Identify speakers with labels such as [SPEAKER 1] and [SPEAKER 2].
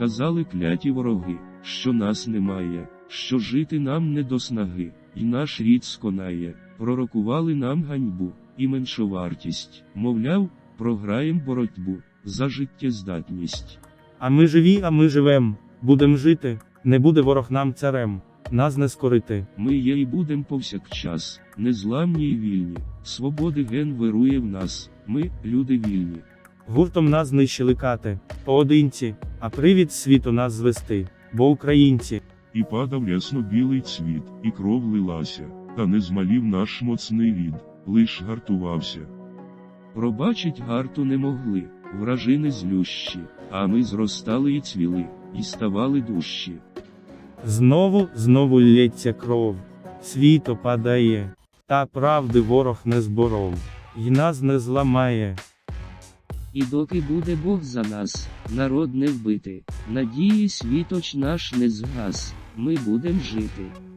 [SPEAKER 1] Казали кляті вороги, що нас немає, що жити нам не до снаги, і наш рід сконає. Пророкували нам ганьбу і меншовартість. Мовляв, програєм боротьбу за життєздатність.
[SPEAKER 2] А ми живем, будем жити, не буде ворог нам царем, нас не скорити.
[SPEAKER 1] Ми є і будем повсякчас, незламні і вільні. Свободи ген вирує в нас, ми, люди вільні.
[SPEAKER 2] Гуртом нас знищили кати, поодинці, а привід світу нас звести, бо українці.
[SPEAKER 3] І падав ясно-білий цвіт, і кров лилася, та не змалів наш моцний рід, лиш гартувався.
[SPEAKER 1] Пробачить гарту не могли, вражини злющі, а ми зростали і цвіли, і ставали дужчі.
[SPEAKER 2] Знову лється кров, світ опадає, та правди ворог не зборов, й нас не зламає.
[SPEAKER 4] І доки буде Бог за нас, народ не вбити, надії світоч наш не згас, ми будем жити.